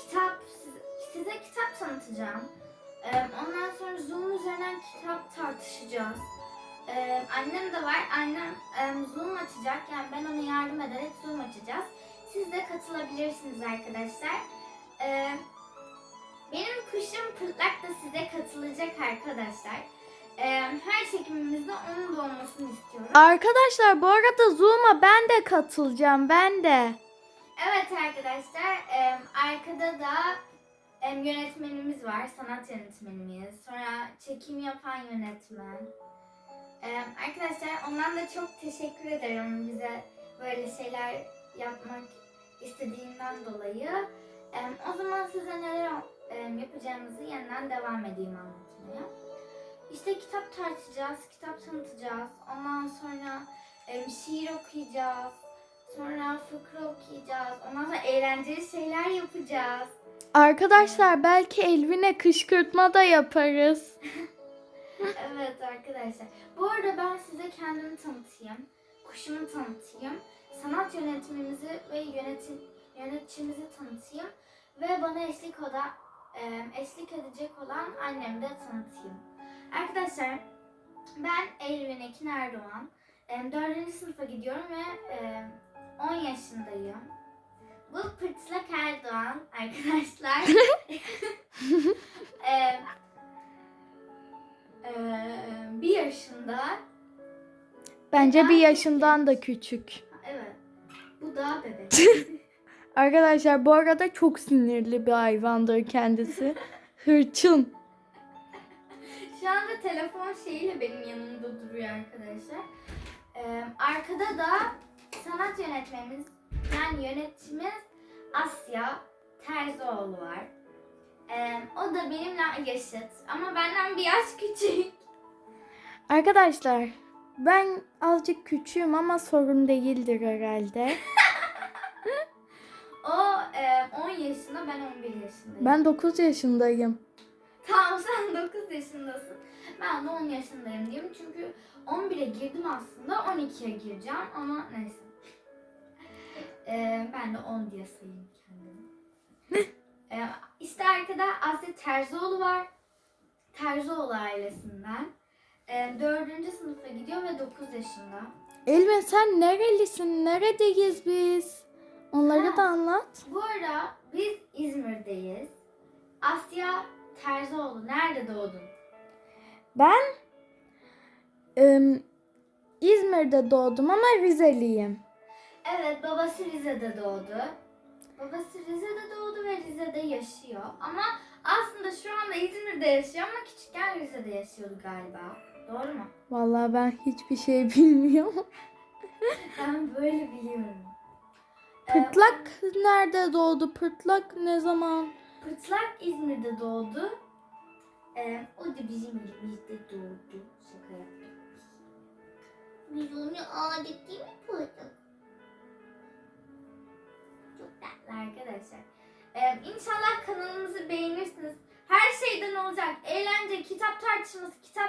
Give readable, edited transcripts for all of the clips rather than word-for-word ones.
size kitap tanıtacağım. Ondan sonra Zoom üzerinden kitap tartışacağız. Annem de var. Annem Zoom açacak. Yani ben ona yardım ederek Zoom açacağız. Siz de katılabilirsiniz arkadaşlar. Benim kuşum Pırtlak da size katılacak arkadaşlar. Her çekimimizde onun da olmasını istiyorum. Arkadaşlar bu arada Zoom'a ben de katılacağım. Ben de. Evet arkadaşlar. Arkada da yönetmenimiz var. Sanat yönetmenimiz. Sonra çekim yapan yönetmen. Arkadaşlar ondan da çok teşekkür ederim bize böyle şeyler yapmak istediğinden dolayı. O zaman size neler yapacağımızı yeniden devam edeyim anlatmaya. İşte kitap tartışacağız, kitap tanıtacağız. Ondan sonra şiir okuyacağız. Sonra fıkra okuyacağız. Ondan sonra eğlenceli şeyler yapacağız. Arkadaşlar belki Elvin'e kışkırtma da yaparız. Evet arkadaşlar. Bu arada ben size kendimi tanıtayım. Kuşumu tanıtayım. Sanat yönetmenimizi ve yönetçimizi tanıtayım. Ve bana eşlik edecek olan annemi de tanıtayım. Arkadaşlar ben Elvin Ekin Erdoğan. 4. sınıfa gidiyorum ve 10 yaşındayım. Bu Pırtlak Erdoğan arkadaşlar. 1 yaşında. Bence bir yaşından da küçük. Evet. Bu da bebek. Arkadaşlar bu arada çok sinirli bir hayvandır kendisi. Hırçın. Şu anda telefon şeyiyle benim yanımda duruyor arkadaşlar. Arkada da sanat yönetmenimiz, yani yönetçimiz Asya Terzioğlu var. O da benimle yaşıt ama benden bir yaş küçük. Arkadaşlar ben azıcık küçüğüm ama sorun değildir herhalde. O 10 yaşında, ben 11 yaşındayım. Ben 9 yaşındayım. Tamam, sen 9 yaşındasın. Ben de 10 yaşındayım diyeyim. Çünkü 11'e girdim aslında. 12'ye gireceğim ama neyse. Ben de 10 diye sayayım kendimi. İşte arkada Asya Terzioğlu var. Terzioğlu ailesinden. 4. sınıfa gidiyor ve 9 yaşında. Elvin sen nerelisin? Neredeyiz biz? Onları da anlat. Bu ara biz İzmir'deyiz. Asya Terzioğlu, nerede doğdun? Ben İzmir'de doğdum ama Rizeliyim. Evet, babası Rize'de doğdu. Babası Rize'de doğdu ve Rize'de yaşıyor. Ama aslında şu anda İzmir'de yaşıyor ama küçükken Rize'de yaşıyordu galiba. Doğru mu? Vallahi ben hiçbir şey bilmiyorum. Ben böyle biliyorum. Pırtlak nerede doğdu? Pırtlak ne zaman? Pırtlak İzmir'de doğdu. O da bizim elimizde doğdu. Şaka yaptım. Biz onu adet değil mi Pırtlak? Çok tatlı arkadaşlar. İnşallah kanalımızı beğenirsiniz. Her şeyden olacak. Eğlence, kitap tartışması, kitap...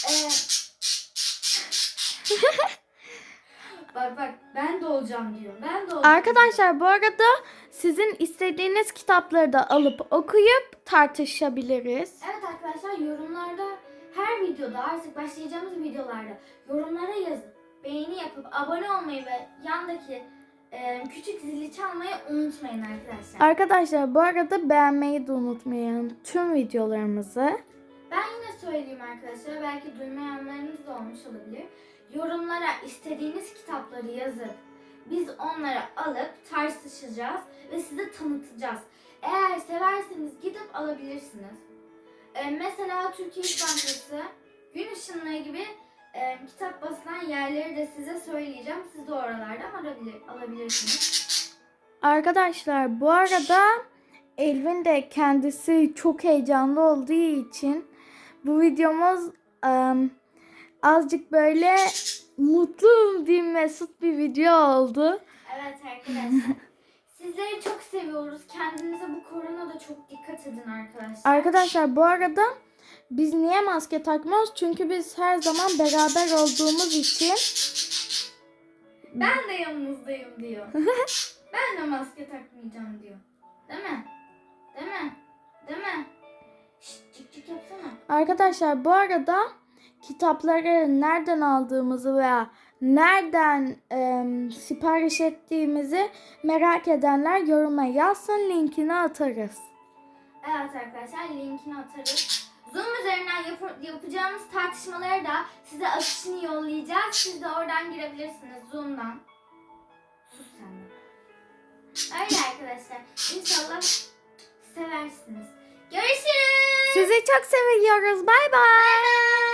Bak ben de olacağım diyor. Ben de olacağım. Arkadaşlar bu arada sizin istediğiniz kitapları da alıp okuyup tartışabiliriz. Evet arkadaşlar, yorumlarda her videoda, artık başlayacağımız videolarda yorumlara yazıp beğeni yapıp abone olmayı ve yandaki küçük zili çalmayı unutmayın arkadaşlar. Arkadaşlar bu arada beğenmeyi de unutmayın tüm videolarımızı. Ben yine söyleyeyim arkadaşlar, belki duymayanlarınız da olmuş olabilir. Yorumlara istediğiniz kitapları yazıp biz onları alıp tartışacağız ve size tanıtacağız. Eğer severseniz gidip alabilirsiniz. Mesela Türkiye İş Bankası, Gün Işınlığı gibi kitap basılan yerleri de size söyleyeceğim. Siz de oralardan alabilirsiniz. Arkadaşlar bu arada Elvin de kendisi çok heyecanlı olduğu için bu videomuz azıcık böyle mutlu bir mesut bir video oldu. Evet arkadaşlar. Sizleri çok seviyoruz. Kendinize bu koronada çok dikkat edin arkadaşlar. Arkadaşlar bu arada biz niye maske takmıyoruz? Çünkü biz her zaman beraber olduğumuz için. Ben de yanınızdayım diyor. Ben de maske takmayacağım diyor. Değil mi? Değil mi? Şşt, cik cik yapsana. Arkadaşlar bu arada kitapları nereden aldığımızı veya nereden sipariş ettiğimizi merak edenler yoruma yazsın, linkini atarız. Evet arkadaşlar, linkini atarız. Zoom üzerinden yapacağımız tartışmaları da size akışını yollayacağız. Siz de oradan girebilirsiniz Zoom'dan. Sus sen de. Öyle arkadaşlar. İnşallah seversiniz. Görüşürüz. Sizi çok seviyoruz. Bay bay. Bye bye.